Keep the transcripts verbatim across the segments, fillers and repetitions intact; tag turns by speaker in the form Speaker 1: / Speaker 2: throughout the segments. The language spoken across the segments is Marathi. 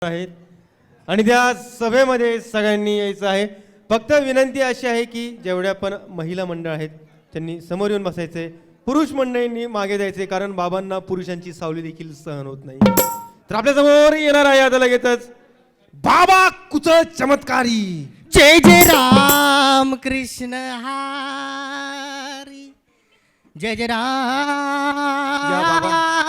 Speaker 1: आहेत आणि त्या सभेमध्ये सगळ्यांनी यायचं आहे. फक्त विनंती अशी आहे की जेवढ्या पण महिला मंडळ आहेत त्यांनी समोर येऊन बसायचे, पुरुष मंडळींनी मागे जायचे, कारण बाबांना पुरुषांची सावली देखील सहन होत नाही. तर आपल्या समोर येणार आहे आता लगेचच बाबा कुचळ चमत्कारी.
Speaker 2: जय जय राम कृष्ण हरी, जय जय राम.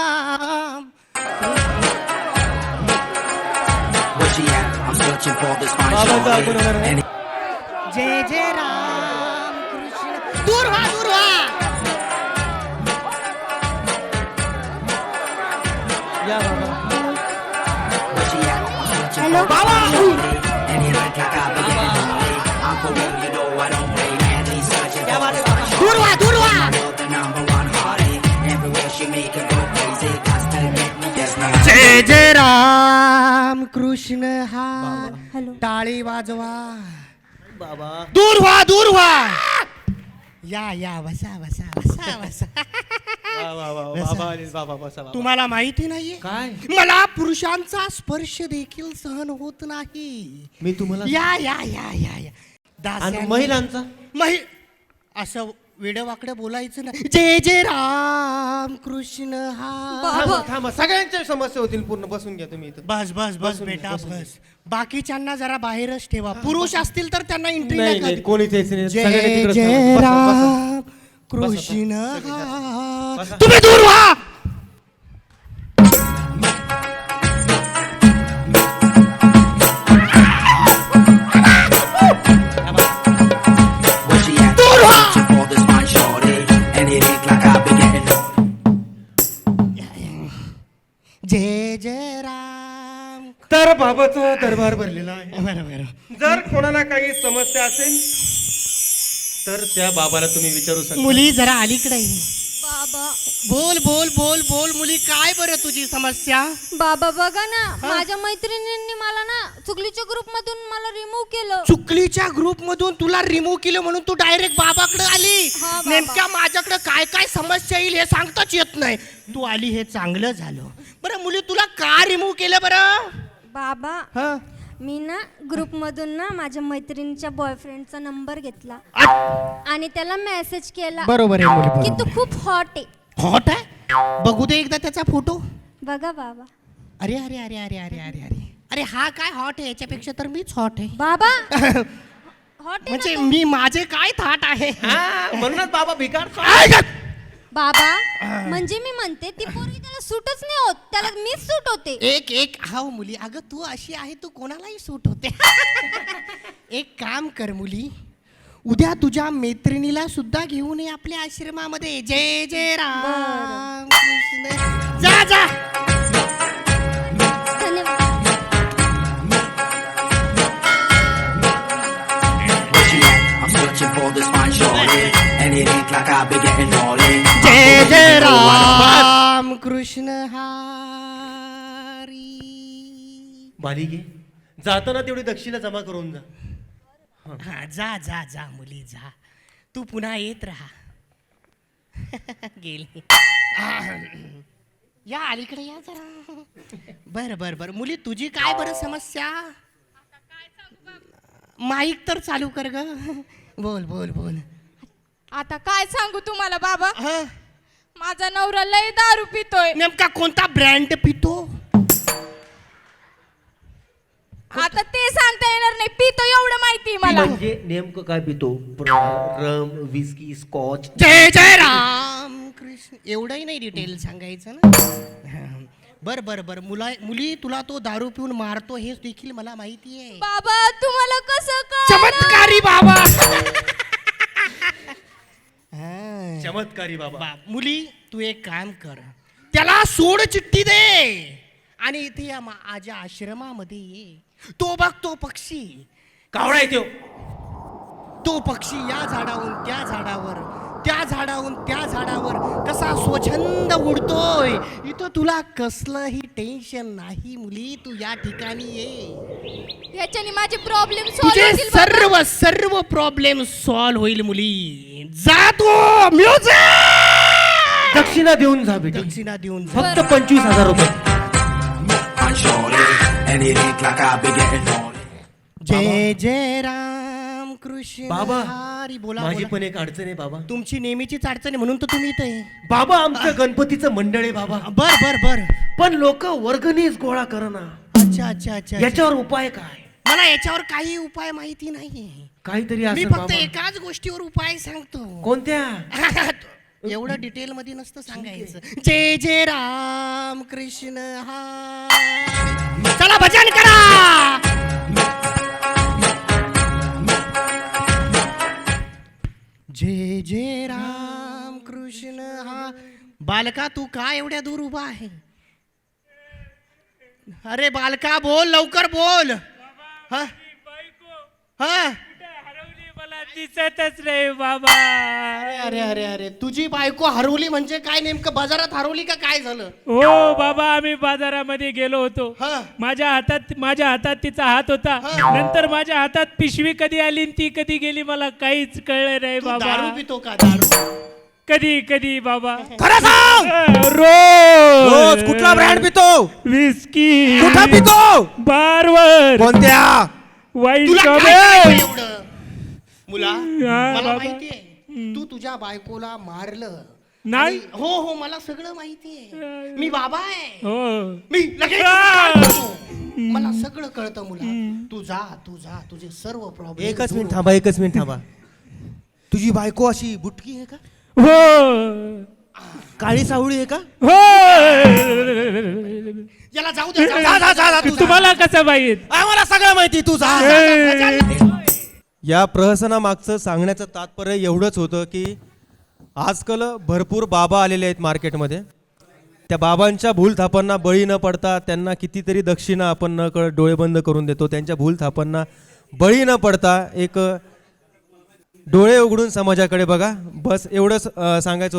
Speaker 2: जय जय राम कृष्ण. दूर व्हा, दूर व्हा.
Speaker 1: या बाबा.
Speaker 2: हॅलो बाबा. दूर व्हा, दूर व्हा. जय जय राम कृष्ण हरी. टाळी वाजवा
Speaker 1: बाबा.
Speaker 2: दूर व्हा, दूर व्हा. या या बसा बसा बसा बसा.
Speaker 1: वा, वा, वा, बाबा आले, बाबा बसा बाबा.
Speaker 2: तुम्हाला माहिती नाहीये
Speaker 1: काय?
Speaker 2: मला पुरुषांचा स्पर्श देखील सहन होत नाही.
Speaker 1: मी तुम्हाला
Speaker 2: या या या या या
Speaker 1: आणि
Speaker 2: दास्यांनी-
Speaker 1: महिलांचा
Speaker 2: महि असं वेडवाकडे बोलायचं ना. जय जय राम कृष्ण हा.
Speaker 1: थांबा थांबा, सगळ्यांच्या समस्या होतील पूर्ण. बसून घ्या तुम्ही इथं.
Speaker 2: बस बस बस
Speaker 1: बसून घ्या,
Speaker 2: बेटा
Speaker 1: बसून घ्या.
Speaker 2: बस. बाकीच्यांना जरा बाहेरच ठेवा. पुरुष असतील तर त्यांना एंट्री
Speaker 1: नाही
Speaker 2: नाही
Speaker 1: नाही
Speaker 2: का?
Speaker 1: कोणीच यायचं नाही.
Speaker 2: जय
Speaker 1: सगळ्यांनी तिकडंच
Speaker 2: जय
Speaker 1: थांबा. बसा, बसा.
Speaker 2: राम कृष्ण
Speaker 1: बसा.
Speaker 2: हा.
Speaker 1: बसा.
Speaker 2: तुम्ही दूर व्हा. दूर व्हा. जय जय राम.
Speaker 1: तर बाबाचा दरबार भरलेला आहे.
Speaker 2: बरं बरं.
Speaker 1: जर कोणाला काही समस्या असेल तर त्या बाबाला तुम्ही विचारू शकता.
Speaker 2: मुली जरा अलीकडे ये.
Speaker 3: बाबा
Speaker 2: बोल बोल बोल बोल मुली, काय बरं तुझी समस्या?
Speaker 3: बाबा बघा ना, माझ्या मैत्रिणींनी मला ना चुकलीच्या ग्रुप मधून मला रिमूव्ह केलं.
Speaker 2: चुकलीच्या ग्रुप मधून तुला रिमूव्ह केलं म्हणून तू डायरेक्ट बाबाकडे आली.
Speaker 3: हा, बाबा.
Speaker 2: नेमक्या माझ्याकडे काय काय समस्या येईल हे सांगताच येत नाही. तू आली हे चांगलं झालं. बरं मुली, तुला का रिमूव्ह केलं बरं?
Speaker 3: बाबा
Speaker 2: हा.
Speaker 3: मी ना ग्रुप मधून ना माझ्या मैत्रिणीच्या बॉयफ्रेंडचा नंबर घेतला आणि त्याला मेसेज केला
Speaker 2: बरोबर आहे मुली,
Speaker 3: की
Speaker 2: बरोबर.
Speaker 3: तू खूप हॉट आहे.
Speaker 2: हॉट आहे? बघू दे एकदा त्याचा फोटो.
Speaker 3: बघा बाबा.
Speaker 2: अरे अरे अरे अरे अरे अरे अरे अरे हा काय हॉट आहे? याच्यापेक्षा तर मीच हॉट आहे.
Speaker 3: बाबा हॉट आहे
Speaker 2: म्हणजे
Speaker 3: ना तू?
Speaker 2: मी माझे काय थाट आहे?
Speaker 1: हा, म्हणूनच बाबा भिकार.
Speaker 2: काय ग?
Speaker 3: बाबा म्हणजे मी म्हणते ती पोरगी त्याला सूटच नाही होत, त्याला मीच सूट होते.
Speaker 2: एक एक हाव मुली, अगं तू अशी आहे, तू कोणालाही सूट होते. एक काम कर मुली, उद्या तुझ्या मैत्रिणीला सुद्धा घेऊन ये आपल्या आश्रमामध्ये. जय जय राम कृष्ण. जा जा.
Speaker 3: धन्यवाद.
Speaker 2: जय जय राम कृष्ण हरी.
Speaker 1: बालिके, जाताना तेवढी दक्षिणा जमा करून जा.
Speaker 2: हा, जा जा जा मुली जा. तू पुन्हा येत राहा. गेली. या अलीकडे या जरा. बर बर बर मुली, तुझी काय बरं समस्या? माईक तर चालू कर ग. बोल बोल बोल.
Speaker 4: आता काय सांगू तुम्हाला बाबा,
Speaker 2: हा,
Speaker 4: माझा नवरा लय दारू पितोय.
Speaker 2: नेमका कोणता ब्रँड पितो?
Speaker 4: आता ते सांगता येणार नाही, पितो एवढं माहिती मला.
Speaker 1: म्हणजे नेमकं काय पितो? Rum, whisky, scotch.
Speaker 2: जय जय राम कृष्ण. एवढंही नाही डिटेल सांगायचं ना. बर बर बर मुला मुली, तुला तो दारू पिऊन मारतो हे देखील मला माहिती आहे.
Speaker 4: बाबा तुम्हाला कसं कळलं?
Speaker 2: चमत्कारी बाबा. हा.
Speaker 1: चमत्कारी बाबा.
Speaker 2: बाप, मुली तू एक काम कर, त्याला सोड चिठ्ठी दे आणि इथे या माझ्या आश्रमामध्ये ये. तो बघ तो पक्षी,
Speaker 1: कावळा आहे त्यो.
Speaker 2: तो पक्षी या झाडावरून त्या झाडावर, त्या झाडावरून त्या झाडावर कसा स्वच्छंद उडतोय. इथं तुला कसलंही टेन्शन नाही मुली. तू या ठिकाणी ये.
Speaker 4: याच्याने माझे प्रॉब्लेम
Speaker 2: तुझे
Speaker 4: सॉल्व्ह होतील बाबा.
Speaker 2: सर्व सर्व प्रॉब्लेम सॉल्व्ह होईल मुली. जा तू. म्युझिक.
Speaker 1: दक्षिणा देऊन जा बेटी.
Speaker 2: दक्षिणा देऊन जा.
Speaker 1: फक्त पंचवीस हजार रुपये.
Speaker 5: and it ain't like I be getting on it.
Speaker 2: जय जय राम कृष्ण
Speaker 1: बाबा
Speaker 2: हरी. बोला
Speaker 1: माझी
Speaker 2: बोला.
Speaker 1: पण एक अडचण आहे बाबा.
Speaker 2: तुमची नेहमीचीच अडचण आहे म्हणून तर तुम्ही इथं आहे.
Speaker 1: बाबा आमचं गणपतीचं मंडळ आहे बाबा.
Speaker 2: बर बर बर.
Speaker 1: पण लोक वर्गणीच गोळा करना.
Speaker 2: अच्छा अच्छा अच्छा.
Speaker 1: याच्यावर उपाय काय?
Speaker 2: मला याच्यावर काही उपाय माहिती नाही.
Speaker 1: काहीतरी
Speaker 2: मी
Speaker 1: असेल
Speaker 2: फक्त
Speaker 1: बाबा.
Speaker 2: एकाच गोष्टीवर उपाय सांगतो.
Speaker 1: कोणत्या?
Speaker 2: एवढं डिटेल मध्ये नसतं सांगायचं. जय जय राम कृष्ण हा. चला भजन करा. जय जय राम कृष्ण हा. बालका तू का एवढ्या दूर उभा आहे? अरे बालका बोल लवकर बोल. हा हा.
Speaker 6: दिसतच नाही बाबा.
Speaker 2: अरे अरे अरे अरे तुझी बायको हरवली म्हणजे काय? नेमकं बाजारात हरवली का काय झालं?
Speaker 6: हो बाबा आम्ही बाजारामध्ये गेलो होतो.
Speaker 2: हा.
Speaker 6: माझ्या हातात माझ्या हातात तिचा हात होता.
Speaker 2: हा.
Speaker 6: नंतर माझ्या हातात पिशवी कधी आली आणि ती कधी गेली मला काहीच कळलं नाही
Speaker 2: तू
Speaker 6: बाबा.
Speaker 2: दारू पितो का? दारू
Speaker 6: कधी कधी बाबा.
Speaker 1: खरं सांग.
Speaker 6: रोज
Speaker 1: रोज कुठला ब्रँड पितो?
Speaker 6: विस्की.
Speaker 1: कुठं पितो?
Speaker 6: बारवर.
Speaker 1: कोणत्या?
Speaker 6: वाईन
Speaker 2: तुला
Speaker 6: शॉप
Speaker 2: काय
Speaker 6: आहे.
Speaker 2: माहिती एवढं? मुला
Speaker 6: हा,
Speaker 2: मला
Speaker 6: बाबा.
Speaker 2: माहितीये तू तुझ्या बायकोला मारलं.
Speaker 6: नाही.
Speaker 2: आणि- हो हो मला सगळं माहितीये. मी बाबा आहे.
Speaker 6: हो
Speaker 2: मी लगेच
Speaker 6: आ!
Speaker 2: कळतो. मला सगळं कळतं मुला. तू जा तू जा तुझे सर्व प्रॉब्लेम.
Speaker 1: एकच मिनिट थांबा एकच मिनिट थांबा. तुझी बायको अशी बुटकी आहे का?
Speaker 6: हो
Speaker 1: काळी सावळी आहे का?
Speaker 6: हो.
Speaker 2: याला जाऊ दे. जाऊ दे.
Speaker 1: जा, जा, जा, जा, तू जा.
Speaker 6: तुम्हाला कसं माहित?
Speaker 1: आम्हाला सगळं माहिती. तू जा.
Speaker 2: जा, जा, जा, जा.
Speaker 1: या प्रहसनामागचं सांगण्याचं तात्पर्य एवढंच होतं की आजकाल भरपूर बाबा आलेले आहेत मार्केटमध्ये. त्या बाबांच्या भूलथापांना बळी न पडता त्यांना कितीतरी दक्षिणा आपण न कळत डोळे बंद करून देतो. त्यांच्या भूलथापांना बळी न पडता एक डोळे उघडून समाजाकडे बघा. बस एवढंच अं, सांगायचं